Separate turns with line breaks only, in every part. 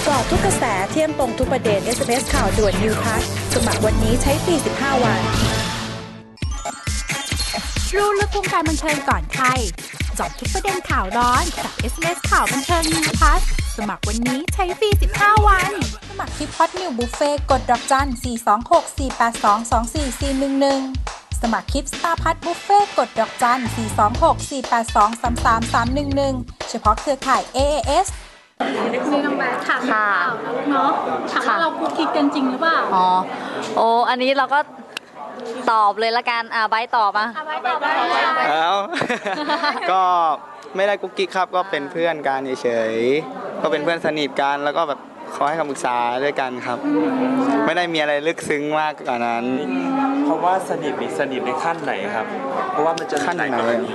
จาะทุกกระแสเที่ยมตรงทุกประเด็น SMS ข่าวด่วน New Plus สมัครวันนี้ใช้ฟรี15 วัน
รู้ลึกวงการบันเทิงก่อนใครเจาะทุกประเด็นข่าวร้อนกับ SMS ข่าวบันเทิง New Plus สมัครวันนี้ใช้ฟรี15 วันสมัครที่พอดนิวบุฟเฟ่กดดอกจัน 426-482-24411 สมัครคลิปสตาร์พัทบุฟเฟ่กดดอกจัน 426-482-33311 เฉพาะเครือข่าย AAS
นี่น้องแบทถามข่าวแล้วเนาะถามว่าเราคุกคิดกันจริงหรือเปล่า
อันนี้เราก็ตอบเลยละกันไบร์ทตอบอ่ะ
ไบร์ทตอบไป
ก็ไม่ได้กุ๊กกิ๊กครับก็เป็นเพื่อนกันเฉยๆก็เป็นเพื่อนสนิทกันแล้วก็แบบขอให้คำปรึกษาด้วยกันครับไม่ได้มีอะไรลึกซึ้งมากกว่านั้น
เพราะว่าสนิทในขั้นไหนครับเพราะว่ามันจะ
ขั้นไหน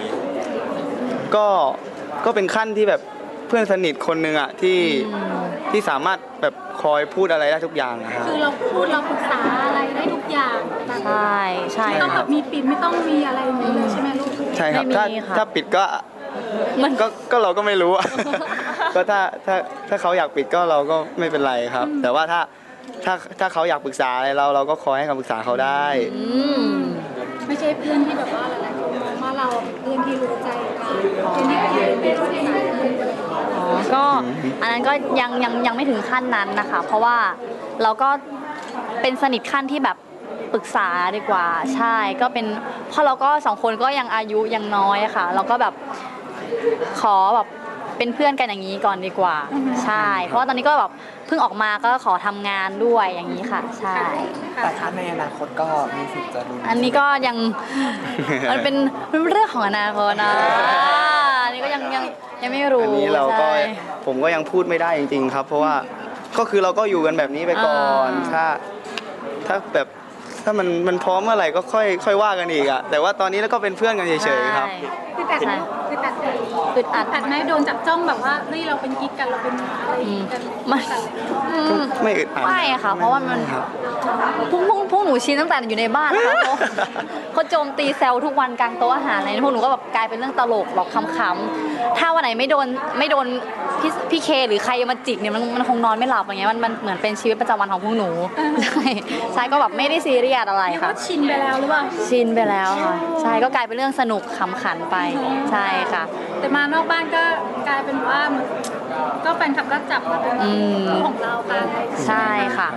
ก็เป็นขั้นที่แบบเพื่อนสนิทคนหนึ่งอ่ะที่สามารถแบบคอยพูดอะไรได้ทุกอย่างนะครับ
คือเราพูดเราปรึกษาอะไรได้ทุกอย่าง
ใช่
ไม่ต้องแบบมีปิดไม่ต้องมีอะไรเลยใช่ไหมลูก
ใช่ครับถ้าปิดก็เราก็ไม่รู้ก็ถ้าเขาอยากปิดก็เราก็ไม่เป็นไรครับ แต่ว่าถ้าเขาอยากปรึกษาอะไรเราก็คอยให้คำปรึกษาเขาได้
ไม่ใช่เพื่อนที่แบบว่าหลายๆคนมองว่าเราเพื่อนที่รู้ใจกันเป็นที่เป็น
ก็อันนั้นก็ยังไม่ถึงขั้นนั้นนะคะเพราะว่าเราก็เป็นสนิทขั้นที่แบบปรึกษาดีกว่าใช่ก็เป็นเพราะเราก็สองคนก็ยังอายุยังน้อยค่ะเราก็แบบขอแบบเป็นเพื่อนกันอย่างนี้ก่อนดีกว่าใช่เพราะว่าตอนนี้ก็แบบเพิ่งออกมาก็ขอทำงานด้วยอย่างนี้ค่ะใช่
แต่ถ้าในอนาคตก็มีสิทธิ์จะดู
อันนี้ก็ยังมันเป็นเรื่องของอนาคตนะอันนี้ก็ยังไม่รู้
อันนี้เราก็ผมก็ยังพูดไม่ได้จริงๆครับเพราะว่าก็คือเราก็อยู่กันแบบนี้ไปก่อนถ้าแบบถ้ามันพร้อมเมื่อไหร่ก็ค่อยว่ากันอีกอะแต่ว่าตอนนี้แล้วก็เป็นเพื่อนกันเฉยๆครับ
คืออัดไหมโดนจับจ้องแบบว่าเฮ้ยเราเป็นกิ๊กกันเราเป็นอะไรกัน
ไม่อึดอัด
ไม่ค่ะเพราะว่ามันพวกหนูชินตั้งแต่อยู่ในบ้านนะคะเขาโจมตีแซวทุกวันกลางโต๊ะอาหารอะไรพวกหนูก็แบบกลายเป็นเรื่องตลกหรอกคำๆถ้าวันไหนไม่โดนพี่เคหรือใครมาจิกเนี่ยมันคงนอนไม่หลับอย่างเงี้ยมันเหมือนเป็นชีวิตประจำวันของพวกหนูใช่ก็แบบไม่ได้ซีเรียสอะไรค่ะ
ชินไปแล้วหรือเปล่า
ชินไปแล้วค่ะใช่ก็กลายเป็นเรื่องสนุกขำขันไปใช่ค่ะ
แต่มานอกบ้านก็กลายเป็นว่าก็แฟนคลับก็จับมาเป็นของเรากัน
ใช่ค่ะ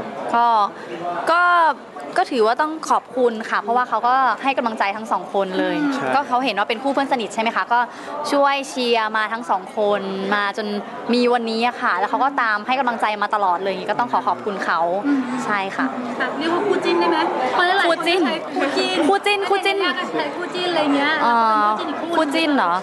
ก็ถือว่าต้องขอบคุณค่ะเพราะว่าเขาก็ให้กำลังใจทั้งสองคนเลยก็เขาเห็นว่าเป็นคู่เพื่อนสนิทใช่ไหมคะก็ช่วยเชียร์มาทั้งสองคนมาจนมีวันนี้ค่ะแล้วเขาก็ตามให้กำลังใจมาตลอดเลยก็ต้องขอบคุณเขาใช่ค่ะ
เรียกว่าคู่จิ้นได้ไหม
คู่จิ้น
อะไรเงี้ย
คู่จิ้นเหรอ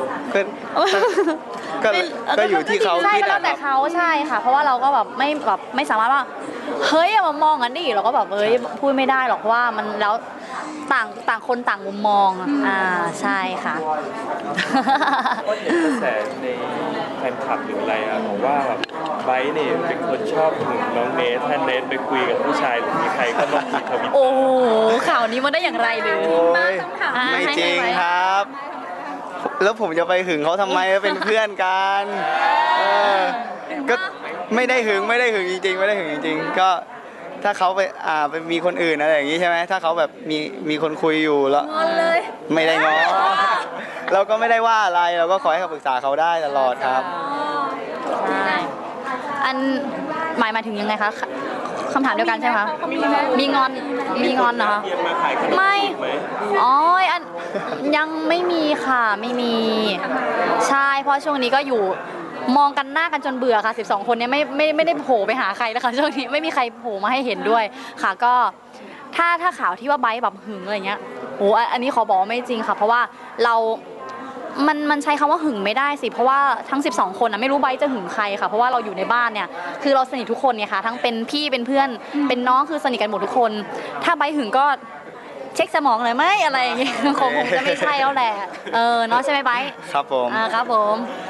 ก็อยู่ที่เขา
คิดแล้วแต่เขาใช่ค่ะเพราะว่าเราก็แบบไม่สามารถว่าเฮ้ยมามองกันดิเราก็แบบพูดไม่ได้หรอกเพราะว่ามันแล้วต่างคนต่างมุมมองใช่ค่ะ
ก็เห็นกระแสในแฟนคลับหรืออะไรบอกว่าแบบไบร์ทเนี่ยเป็นคนชอบหึงน้องเนทถ้าเนทไปคุยกับผู้ชายหรือมีใครก็ลองดูทวิต
โอ้ข่าวนี้มันได้อย่างไรหรือ
ไม่จริงครับแล้วผมจะไปหึงเขาทำไมเป็นเพื่อนกันก็ไม่ได้หึงจริงๆไม่ได้หึงจริงๆก็ถ้าเขาไปมีคนอื่นอะไรอย่างนี้ใช่ไหมถ้าเขาแบบมีคนคุยอยู่แล้วไม่ได้ง้อเราก็ไม่ได้ว่าอะไรเราก็ขอให้คำปรึกษาเขาได้ตลอดครับ
ใช่อันหมายถึงยังไงคะคำถามเดียวกันใช่ไหมคะมีงอนเหรอไม่อันยังไม่มีค่ะไม่มีใช่เพราะช่วงนี้ก็อยู่มองกันหน้ากันจนเบื่อค่ะ12คนนี้ไม่ได้โผล่ไปหาใครนะคะช่วงนี้ไม่มีใครโผล่มาให้เห็นด้วยค่ะก็ถ้าข่าวที่ว่าไบร์ทแบบหึงอะไรเงี้ยอันนี้ขอบอกว่าไม่จริงค่ะเพราะว่ามันใช้คำว่าหึงไม่ได้สิเพราะว่าทั้ง12คนไม่รู้ไบร์ทจะหึงใครค่ะเพราะว่าเราอยู่ในบ้านเนี่ยคือเราสนิททุกคนเนี่ยค่ะทั้งเป็นพี่เป็นเพื่อนเป็นน้องคือสนิทกันหมดทุกคนถ้าไบร์ทหึงก็เช็คสมองเลยไหมอะไรอย่างเงี้ยคงจะไม่ใช่แล้วแหละเนาะใช่ไหมไบร์ท
ครับผม
ครับผม